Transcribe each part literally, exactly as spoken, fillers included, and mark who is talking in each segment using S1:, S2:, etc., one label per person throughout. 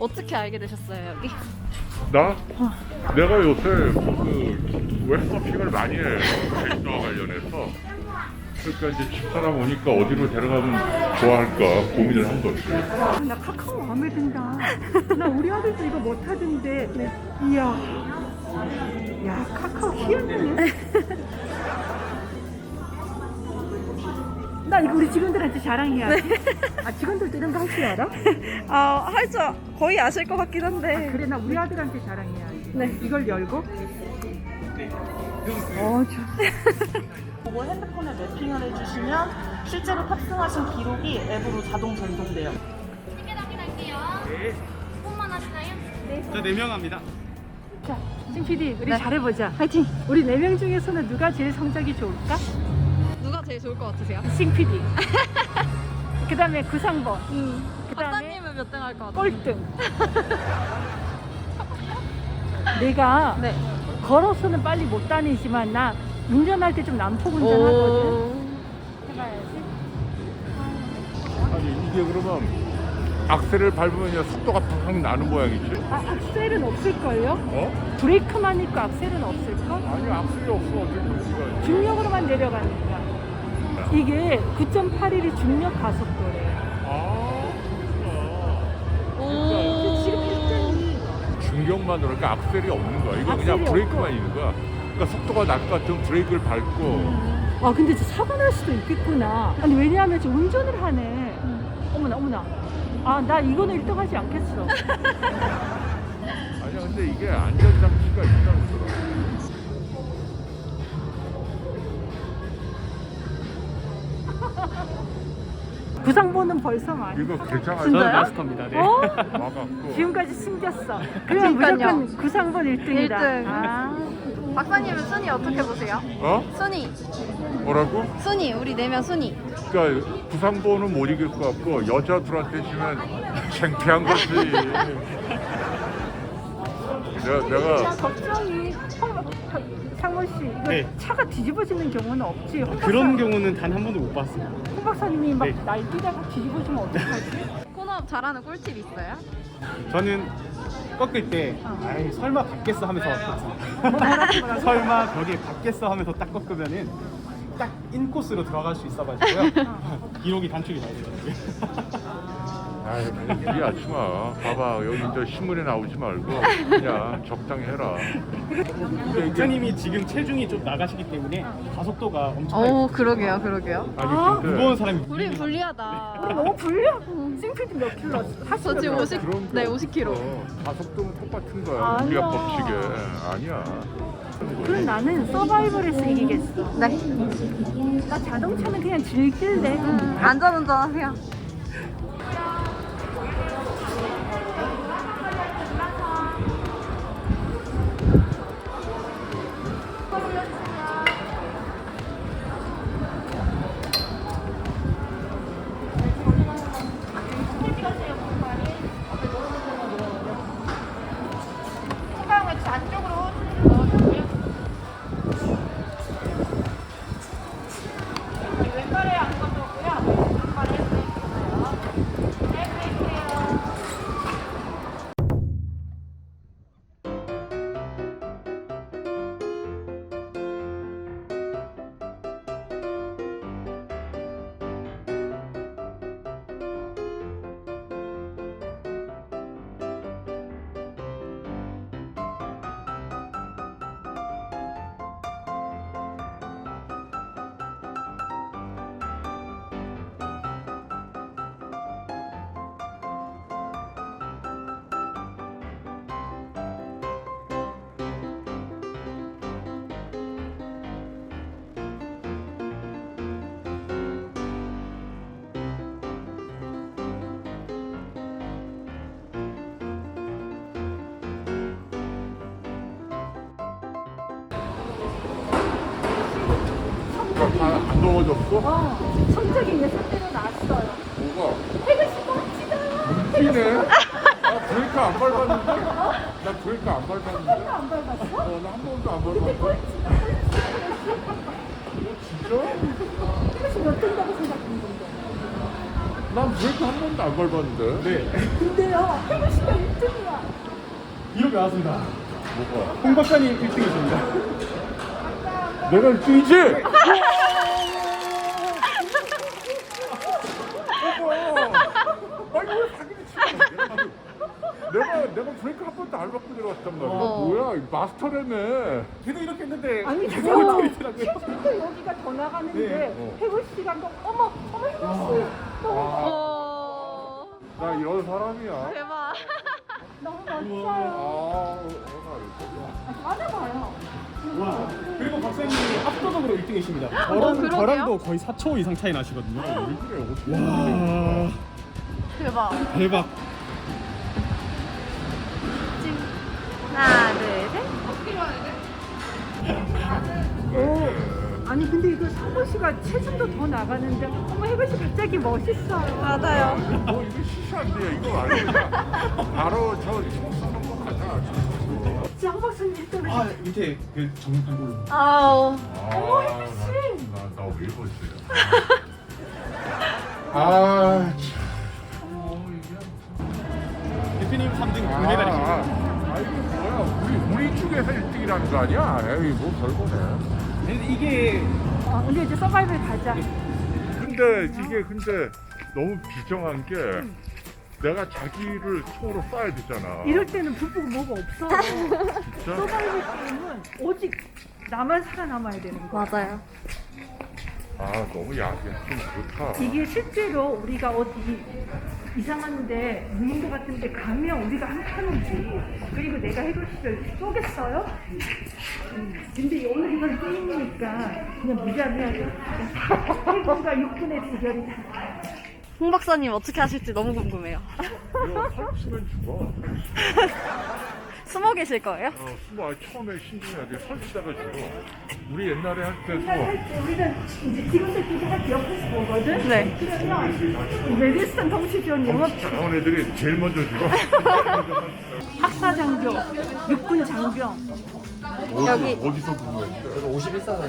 S1: 어떻게 알게 되셨어요 여기?
S2: 나? 내가 요새 그 웹서핑을 많이 해. 제주도와 관련해서. 그러니까 이제 집사람 오니까 어디로 데려가면 좋아할까 고민을 한 거지.
S3: 나 카카오 마음에 든다. 나 우리 아들도 이거 못하던데. 네. 이야. 야, 카카오 희한하네. 나 이거 우리 직원들한테 자랑해야지. 네. 아, 직원들도 이런 거 할 줄 알아?
S1: 아, 할 줄 거의 아실 것 같긴 한데.
S3: 아, 그래, 나 우리 아들한테 자랑해야지.
S1: 네.
S3: 이걸 열고. 어, 좋
S4: 그거 핸드폰에 매핑을 해주시면 실제로 탑승하신 기록이 앱으로 자동 전송돼요.
S5: 티켓 확인할게요. 네. 폰만 하시나요?
S6: 저 네 명 합니다.
S3: 자, 신 피디, 우리
S1: 네.
S3: 잘해보자.
S1: 화이팅!
S3: 우리 네 명 중에서는 누가 제일 성적이 좋을까?
S1: 누가 제일 좋을 것 같으세요?
S3: 신 피디. 그 다음에 구상번.
S1: 음.
S3: 그다음에
S1: 박사님은 몇 등 할 것 같아요?
S3: 꼴등. 내가
S1: 네.
S3: 걸어서는 빨리 못 다니지만 나 운전할 때 좀 난폭 운전하거든. 해봐야지.
S2: 아니 이게 그러면 악셀을 밟으면 속도가 팍 나는 모양이지?
S3: 아, 악셀은 없을걸요?
S2: 어?
S3: 브레이크만 있고 악셀은 없을걸?
S2: 아니 악셀이 없어 어떻게 그렇게
S3: 중력으로만 내려가니까. 이게 구 점 팔 일이 중력 가속도래.
S2: 아
S3: 근데 지금 일 등이
S2: 중력만으로 그러니까 악셀이 없는 거야. 이거
S3: 악셀이
S2: 그냥 브레이크만
S3: 없고.
S2: 있는 거야. 그러니까 속도가 날 것 같으면 브레이크를 밟고
S3: 아 근데 진짜 사고 날 수도 있겠구나. 아니 왜냐하면 지금 운전을 하네. 어머나 어머나. 아 나 이거는 일 등 하지 않겠어.
S2: 아니야 근데 이게 안전장치가 있다고 그러더라고.
S3: 구상보는 벌써 많이.
S2: 이거 괜찮아요?
S6: 저는 마스터입니다. 네.
S3: 어?
S2: 와갖고
S3: 지금까지 숨겼어. 그러면
S1: 그러니까요.
S3: 무조건 구상본 일 등이다.
S1: 일 등.
S3: 아.
S1: 박사님은 순위 어떻게 보세요?
S2: 어?
S1: 순위.
S2: 뭐라고?
S1: 순위. 우리 네 명 순위.
S2: 그러니까 부상보는 못 이길 것 같고 여자들한테 지면 창피한 거지. 내가 내가
S3: 야, 걱정이. 성- 상원 씨, 이거
S6: 네.
S3: 차가 뒤집어지는 경우는 없지? 홍
S6: 그런
S3: 박사-
S6: 경우는 단 한 번도 못 봤습니다.
S3: 홍 박사님이 막
S6: 네.
S3: 날뛰다가 뒤집어지면 어떡하지?
S1: 코너업 잘하는 꿀팁 있어요?
S6: 저는 꺾을 때 아이 설마 받겠어 하면서
S3: 뭐라고 뭐라고?
S6: 설마 벽에 받겠어 하면서 딱 꺾으면은 딱 인코스로 들어갈 수 있어가지고요. 기록이 단축이 나야 되더라고요.
S2: 아이 무리하지 마. 봐봐 여기 이제 신문에 나오지 말고 그냥 적당히 해라. 근데 이게
S6: 기사님이 지금 체중이 좀 나가시기 때문에 가속도가 엄청
S1: 오, 그러게요, 그러게요.
S2: 아니 근데
S6: 무거운 사람이
S1: 우리
S6: 밀리는
S1: 불리하다.
S3: 우리 너무 불려? 싱피디 몇 킬로?
S1: 저 지금 오십,
S2: 그런 게
S1: 네, 오십 킬로.
S2: 없어. 가속도는 똑같은 거야.
S3: 아니야.
S2: 우리가 법칙에 아니야.
S3: 그럼 나는 서바이벌에서 이기겠어.
S1: 네.
S3: 나 자동차는 그냥 즐길래.
S1: 안전운전 하세요.
S2: 안 넘어졌어?
S3: 어, 성적이 여섯 대로 나왔어요.
S2: 뭐가?
S3: 해글씨 멋지다.
S2: 튀네? 나 브레이크 안 밟았는데? 나 브레이크 안 밟았는데?
S3: 안 밟았어?
S2: 어, 나 한 번도 안 밟았어. 진짜?
S3: 해글씨 몇 등다고 생각했는데.
S2: 난 브레이크 한 번도 안 밟았는데?
S6: 네.
S3: 근데요, 해글씨가 일
S6: 기록이 나왔습니다.
S2: 뭐가?
S6: 홍 박사님 일 등이십니다.
S2: 내가 일 등이지? 아니 왜 사기를 치는 내가 내가 브레이크 한 번도 안 받고 내려왔단 말이야.
S1: 어.
S2: 뭐야 이 마스터라며.
S6: 걔도 이렇게 했는데
S3: 아니
S6: 계속
S3: 저
S6: 틀리더라고요.
S3: 진짜 여기가 더 나가는데
S6: 네.
S2: 어.
S3: 혜원 씨가 또 어머 어머 혜원 씨 너무
S1: 오.
S2: 나 이런 사람이야.
S1: 대박.
S3: 너무
S2: 아,
S3: 멋져요.
S2: 애가
S3: 맞아봐요.
S6: 와. 그리고 박사님이 압도적으로 일 등이십니다.
S1: 어,
S6: 저랑,
S1: 그러게요?
S6: 저랑도 거의 사 초 이상 차이 나시거든요.
S2: 왜 그래? 어떻게
S6: 와.
S1: 대박.
S6: 대박.
S1: 찡. 하나, 둘, 셋.
S3: 오, 아니 근데 이거 성호 씨가 체중도 더 나가는데 어머 혜원 씨 갑자기 멋있어요.
S1: 맞아요.
S2: 뭐 이거 시시한데 이거 아니야. 바로 저 쏘는 거 가자.
S3: 장 박사님 때문에
S6: 아 밑에 그 정판 걸로.
S1: 아우.
S2: 어머 혜빈 나나왜 이러지? 아 참. 어 이게.
S6: 대표님 삼 등
S2: 아,
S6: 금메달이십니다.
S2: 아 이게 뭐야? 우리 우리 쪽에서 일 등이라는 거 아니야? 에이 뭐 별거네.
S6: 근데 이게
S3: 아, 근데 이제 서바이벌 가자.
S2: 근데 이게 근데 너무 비정한 게 내가 자기를 총으로 쏴야 되잖아.
S3: 이럴 때는 불보고 뭐가 없어.
S2: 진짜?
S3: 서바이벌 게임은 오직 나만 살아남아야 되는 거야.
S1: 맞아요.
S2: 아 너무 야해 좀 그렇다.
S3: 이게 실제로 우리가 어디 이상한데 무인도 같은데 가면 우리가 한타는지 그리고 내가 혜도 씨를 쏘겠어요? 음, 근데 오늘 이건 게임이니까 그냥 무자비하게 혜도가 육 분의 대결이다.
S1: 홍 박사님 어떻게 하실지 너무 궁금해요.
S2: 이거 설치면 죽어.
S1: 숨어 계실 거예요?
S2: 어, 숨어 처음에 신중하게 설치다가 죽어. 우리 옛날에 할 때도
S3: 할 때 우리는 이제 직원들끼리 할 옆에서 보거든?
S1: 네.
S3: 그러면 메디슨 통치전 영업
S2: 잘하는 애들이 제일 먼저 죽어.
S3: 학사 장교, 육군 장병
S1: 여기.
S2: 어디, 어디서 근무했대?
S7: 오십일 사는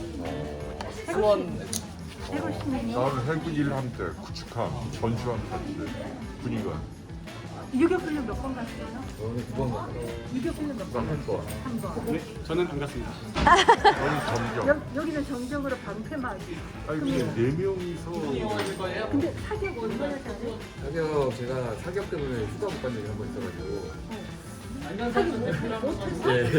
S7: 수원
S3: 혜도 씨는요?
S2: 나는 해군 일함대, 구축함, 전주함 탔대. 군의관.
S3: 유교 훈련 몇 번 갔어요?
S7: 오늘 두번 갔어.
S3: 유교 훈련 몇 번?
S2: 나한 번.
S3: 한 번.
S6: 네, 저는 안 갔습니다.
S2: 저는 점점.
S3: 여, 여기는 정정으로 방패막이.
S2: 아니 근데 네 명이서
S3: 근데 사격 얼마나 잘해?
S7: 사격 제가 사격 때문에 휴가 못 간 적이 한 번 있어가지고. 예.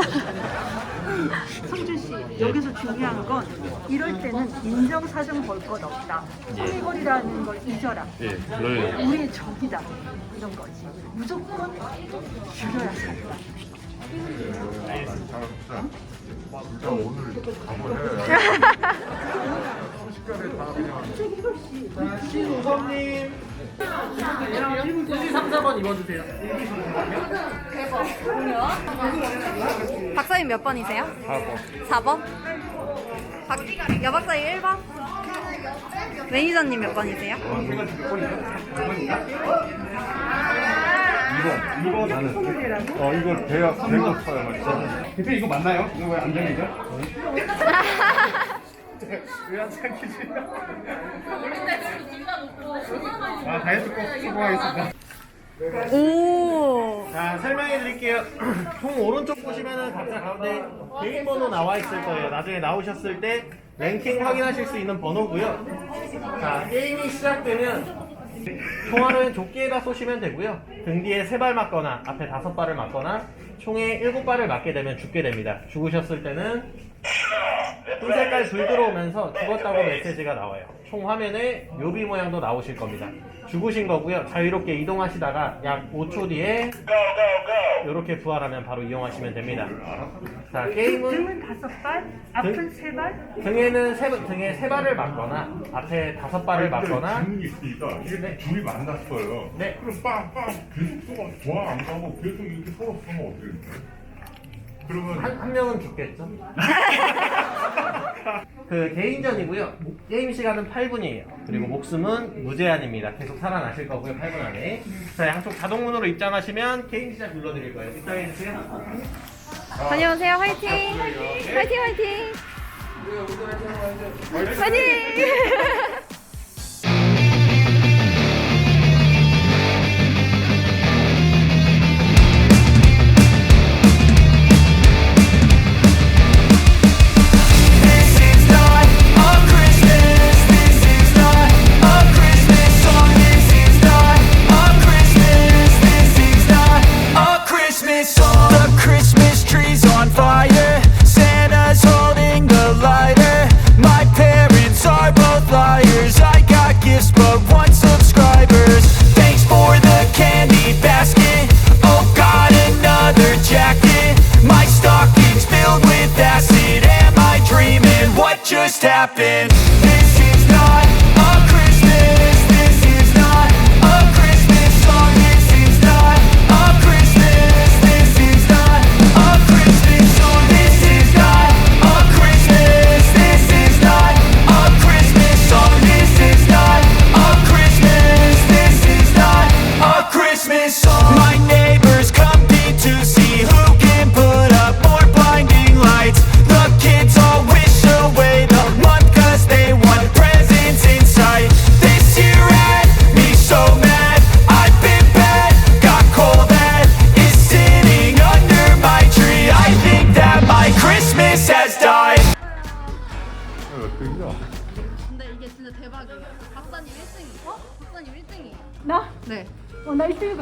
S3: 성준 씨, 여기서 중요한 건 이럴 때는 인정사정 볼 것 없다. 소리거리라는 걸 잊어라.
S7: 예. 그래요.
S3: 우리의 적이다. 이런 거지. 무조건 죽여야 돼.
S2: 잘합시다. 일단 오늘 가보래. 순식간에 다 그냥.
S6: 신우범님. 삼, 사 번 입어주세요.
S1: 박사님 몇 번이세요?
S2: 사 번.
S1: 사 번? 박, 여박사님 일 번? 매니저님 몇 번이세요?
S2: 이 번 나는. 어 이거 대학 대학 사야만.
S6: 대표 이거 맞나요? 이거 왜 안 들리죠? 왜안 참기지? 아, 다이어트 꼭 성공하겠습니다.
S1: 오.
S8: 자, 설명해 드릴게요. 총 오른쪽 보시면은 각자 가운데 개인 번호 나와 있을 거예요. 나중에 나오셨을 때 랭킹 확인하실 수 있는 번호고요. 자, 게임이 시작되면 총알은 조끼에다 쏘시면 되고요. 등 뒤에 세 발 맞거나 앞에 다섯 발을 맞거나 총에 일곱 발을 맞게 되면 죽게 됩니다. 죽으셨을 때는 흰 색깔 불 들어오면서 죽었다고 메시지가 나와요. 총 화면에 묘비 모양도 나오실 겁니다. 죽으신 거고요. 자유롭게 이동하시다가 약 오 초 뒤에 이렇게 부활하면 바로 이용하시면 됩니다. 자, 게임은
S3: 등은 다섯 발, 앞은 세 발.
S8: 등에는 세, 등에 세 발을 맞거나 앞에 다섯 발을 맞거나
S2: 질문이 있으니까 이게
S8: 네.
S2: 둘이 만났어요.
S8: 네.
S2: 그럼 빵빵 계속 쏘가 좋아 안 가고 계속 이렇게 서로 쏘면 어떻게 돼? 그러면
S8: 한, 한 명은 죽겠죠? 그 개인전이고요. 게임 시간은 팔 분이에요. 그리고 목숨은 무제한입니다. 계속 살아나실 거고요. 팔 분 안에. 자, 양쪽 자동문으로 입장하시면 게임 시작 눌러드릴 거예요. 입장해주세요.
S1: 다녀오세요. 화이팅! 화이팅, 화이팅! 화이팅!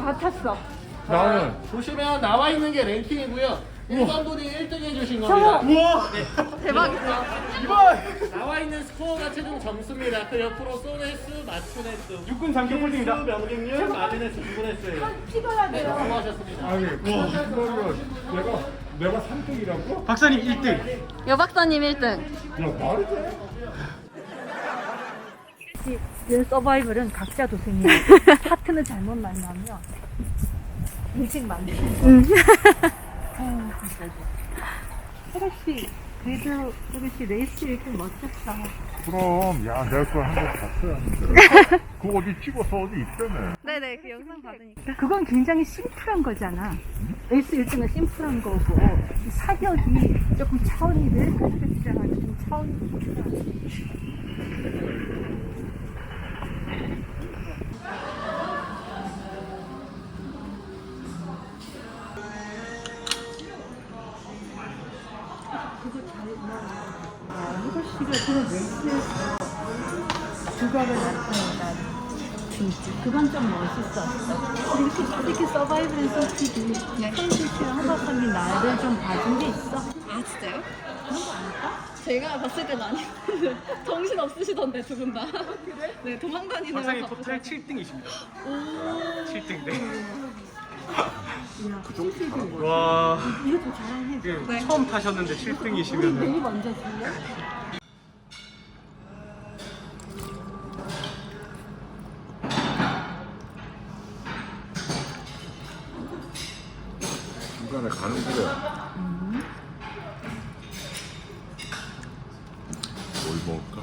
S3: 다 탔어.
S2: 나는
S8: 보시면 나와 있는 게 랭킹이고요. 일 번 분이 일 등 해주신 겁니다.
S6: 우와!
S1: 대박이다.
S6: 이번!
S8: 나와 있는 스코어가 최종 점수입니다. 그 옆으로 쏜 횟수, 맞춘 횟수,
S6: 육군 장교 폴딩이다.
S8: 수, 명중률, 맞은 횟수, 죽은 횟수예요.
S3: 찍어야
S8: 네,
S3: 돼요.
S8: 수고하셨습니다.
S2: 아니 그러면 내가 내가 삼 등이라고?
S6: 박사님 일 등.
S1: 여 박사님 일 등.
S2: 야 말이 돼?
S3: 이 서바이벌은 각자 도생이야. 파트너 잘못 만나면 일찍 만나요. 아유, 진짜. 혜라씨, 그래도 혜라씨 레이스 이렇게 멋졌어.
S2: 그럼 야 내가 그걸 한번 봤어야 하는데 그거 어디 찍어서 어디 있다며.
S1: 네네 그 영상 받으니까.
S3: 그건 굉장히 심플한 거잖아. 레이스 일 등은 심플한 거고, 이 사격이 조금 차원이 왜 그렇게 주장하는 좀 차원이 있구나. 그거 잘 나. 혜라씨가 그런 레이스에서 두각을 나타낸다. 진짜 그건 좀 멋있었어. 그리고 솔직히 서바이벌 솔직히 현실씨랑 하박사님 나를 좀 봐준 게 있어.
S1: 아 진짜요?
S3: 그런 거 아닐까?
S1: 제가 봤을 땐 아니었는데 정신 없으시던데 두 분 다. 그래? 네 도망다니는
S6: 박사님
S1: 거
S6: 토탈 칠 등이십니다.
S1: 오.
S6: 칠 등. 네.
S3: 야, 솔직히
S6: 와.
S3: 이거 더 잘해.
S6: 이게
S1: 네.
S6: 처음 타셨는데 칠
S3: 우리
S6: 등이시면
S3: 메이 먼저 줄래?
S2: 중간에 가는 길에 뭘 먹을까?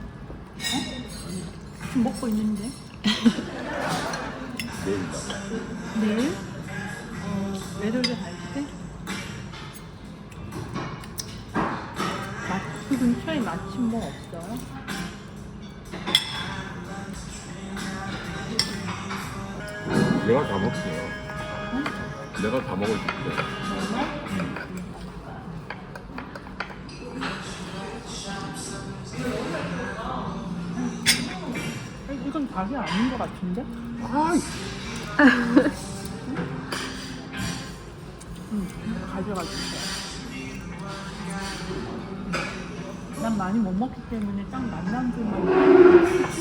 S3: 지금 먹고 있는데.
S2: 내일 나가.
S3: 내일? 어, 외돌려 갈 때? 맛, 그 근처에 마침 뭐 없어요?
S2: 내가 다 먹어요. 내가 다 먹어줄게.
S3: 아니, 이건 닭이 아닌 것 같은데?
S2: 아이
S3: 응, 가져가 주세요. 난 많이 못 먹기 때문에 딱 만남주만.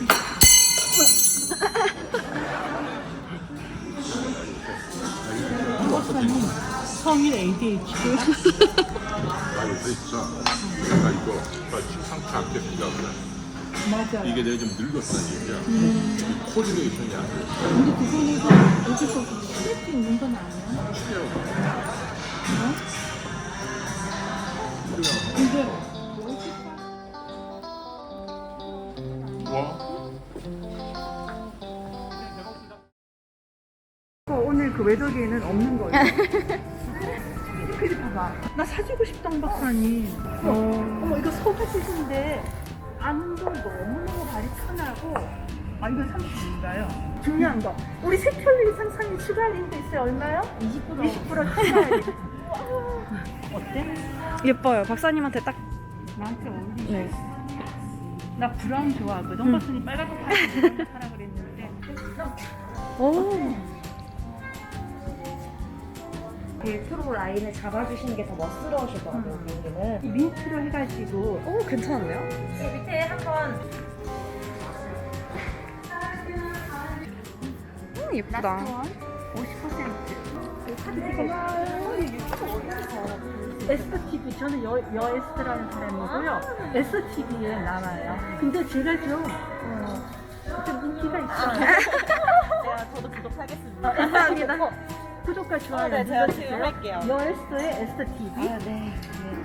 S3: 박사님 성인 에이디에이치도
S2: 나 요새 있어. 내가 이거 나 심상치 않게 생각을 해.
S3: 맞아요.
S2: 이게 내가 좀 늙었다는 얘기야. 이 코디네이션이 안 돼.
S3: 근데 그거는 여기서 쉴 수 있는 건 아니야? 어? 근데
S2: 와.
S3: 오늘 그 외덕에는 없는 거예요. 그래 봐봐. 나 사주고 싶던 박사님. 어. 어머 이거 소가지인데 안도 너무너무 발이 편하고. 아 이건 삼십인가요? 중요한 거. 우리 세 켤레 이상 사면 추가 할인도 있어요. 얼마요? 이십 퍼센트. 이십 퍼센트 추가 할인. 어때?
S1: 예뻐요. 박사님한테 딱.
S3: 나한테 어울리지?
S1: 네.
S3: 나 브라운 좋아하거든. 음. 박사님 빨갛게 하라 그랬는데.
S1: 오.
S9: 벨트로 라인을 잡아주시는 게 더 멋스러우시더라고요, 비행기는.
S3: 이 민트로 해가지고.
S1: 오 괜찮은데요?
S9: 밑에 한번
S1: 음 예쁘다.
S3: 오십 퍼센트. 에스터티비 저는 여, 여 에스터라는 사람이고요. 에스터티비에 나와요. 근데 제가 좀, 어, 좀 인기가 있어요.
S4: 제가 저도 구독하겠습니다.
S1: 감사합니다.
S3: 어, 구독과 좋아요
S4: 네, 제가
S3: 눌러주세요.
S4: 지금 할게요.
S3: 여 에스터의 에스터티비.
S1: 아 네.